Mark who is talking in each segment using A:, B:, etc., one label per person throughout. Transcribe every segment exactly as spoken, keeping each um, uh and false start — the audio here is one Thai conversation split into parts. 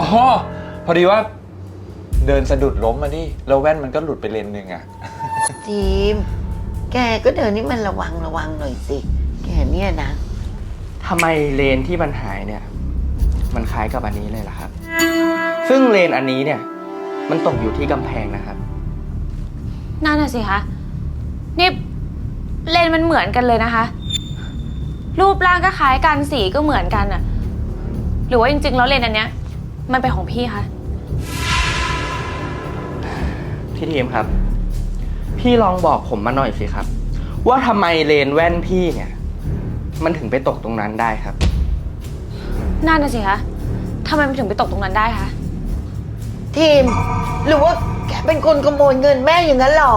A: อ๋อพอดีว่าเดินสะดุดล้มมาดิแล้วแว่นมันก็หลุดไปเลนหนึ่งอะ
B: ทีมแกก็เดินนี่มันระวังระวังหน่อยสิแกเนี่ยนะ
C: ทำไมเลนที่มันหายเนี่ยมันคล้ายกับอันนี้เลยล่ะครับซึ่งเลนอันนี้เนี่ยมันตกอยู่ที่กำแพงนะครับ
D: นั่นน่ะสิคะนี่เลนมันเหมือนกันเลยนะคะรูปร่างก็คล้ายกันสีก็เหมือนกันอะหรือว่าจริงๆแล้วเลนอันเนี้ยมันเป็นของพี่คะ
C: พี่ทีมครับพี่ลองบอกผมมาหน่อยสิครับว่าทำไมเลนแว่นพี่เนี่ยมันถึงไปตกตรงนั้นได้ครับ
D: นั่นน่ะสิคะทำไมมันถึงไปตกตรงนั้นได้คะ
B: ทีมหรือว่าแกเป็นคนขโมยเงินแม่อย่างนั้นหรอ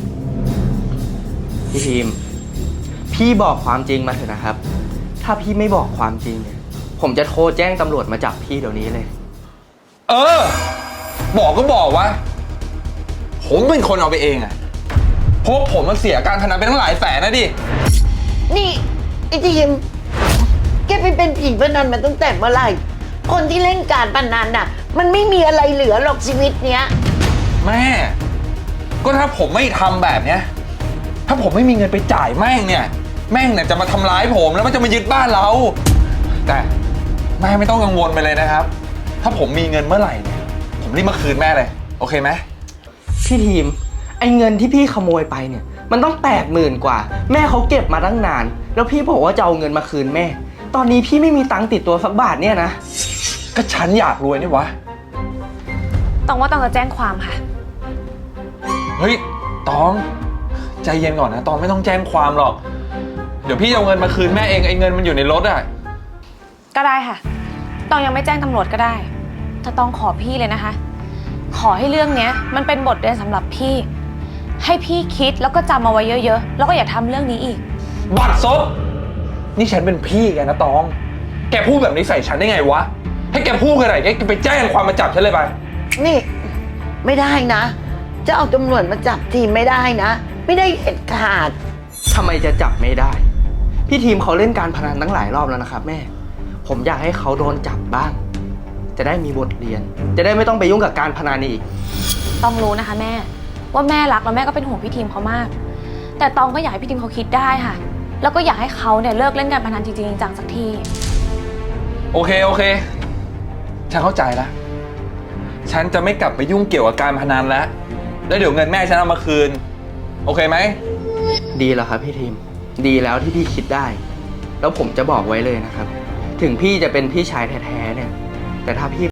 C: พี่ทีมพี่บอกความจริงมาเถอะนะครับถ้าพี่ไม่บอกความจริงเนี่ยผมจะโทรแจ้งตำรวจมาจับพี่เดี๋ยวนี้เลย
A: เออบอกก็บอกว่าผมเป็นคนเอาไปเองอะพวกผมมันเสียการพนันไปตั้งหลายแสนนะดิ
B: นี่ไอ้ทีมแกไปเป็นผีพนันมาตั้งแต่เมื่อไหร่คนที่เล่นการพนันน่ะมันไม่มีอะไรเหลือหรอกชีวิตเนี้ย
A: แม่ก็ถ้าผมไม่ทำแบบเนี้ยถ้าผมไม่มีเงินไปจ่ายแม่งเนี่ยแม่งเนี่ยจะมาทำร้ายผมแล้วมันจะมายึดบ้านเราแต่แม่ไม่ต้องกังวลไปเลยนะครับถ้าผมมีเงินเมื่อไหร่เนี่ยผมรีบมาคืนแม่เลยโอเคไหม
C: พี่ทีมไอ้เงินที่พี่ขโมยไปเนี่ยมันต้องแปดหมื่นกว่าแม่เขาเก็บมาตั้งนานแล้วพี่บอกว่าจะเอาเงินมาคืนแม่ตอนนี้พี่ไม่มีตังค์ติดตัวสักบาทเนี่ยนะ
A: ก็ฉันอยากรวยนี่วะ
D: ต้องว่าต้องจะแจ้งความค่ะ
A: เฮ้ยตองใจเย็นก่อนนะตองไม่ต้องแจ้งความหรอกเดี๋ยวพี่เอาเงินมาคืนแม่เองไอ้เงินมันอยู่ในรถอ่ะ
D: ก็ได้ค่ะตองยังไม่แจ้งตำรวจก็ได้แต่ตองขอพี่เลยนะคะขอให้เรื่องนี้มันเป็นบทเรียนสำหรับพี่ให้พี่คิดแล้วก็จำเอาไว้เยอะๆแล้วก็อย่าทำเรื่องนี้อีก
A: บัดซบนี่ฉันเป็นพี่แกนะตองแกพูดแบบนี้ใส่ฉันได้ไงวะให้แกพูดอะไรแกไปแจ้งความมาจับฉันเลยไป
B: นี่ไม่ได้นะจะเอาตำรวจมาจับทีมไม่ได้นะไม่ได้เด็ดขาด
C: ทำไมจะจับไม่ได้พี่ทีมเขาเล่นการพนันตั้งหลายรอบแล้วนะครับแม่ผมอยากให้เขาโดนจับบ้างจะได้มีบทเรียนจะได้ไม่ต้องไปยุ่งกับการพนันอีก
D: ต้องรู้นะคะแม่ว่าแม่รักแล้วแม่ก็เป็นห่วงพี่ทีมเขามากแต่ตองก็อยากให้พี่ทีมเขาคิดได้ค่ะแล้วก็อยากให้เขาเนี่ยเลิกเล่นการพนันจริงๆจังๆสักที
A: โอเคโอเคฉันเข้าใจแล้วฉันจะไม่กลับไปยุ่งเกี่ยวกับการพนันแล้วแล้วเดี๋ยวเงินแม่ฉันเอามาคืนโอเคไหม
C: ดีแล้วครับพี่ทีมดีแล้วที่พี่คิดได้แล้วผมจะบอกไว้เลยนะครับถึงพี่จะเป็นพี่ชายแท้ๆเนี่ยแต่ถ้าพี่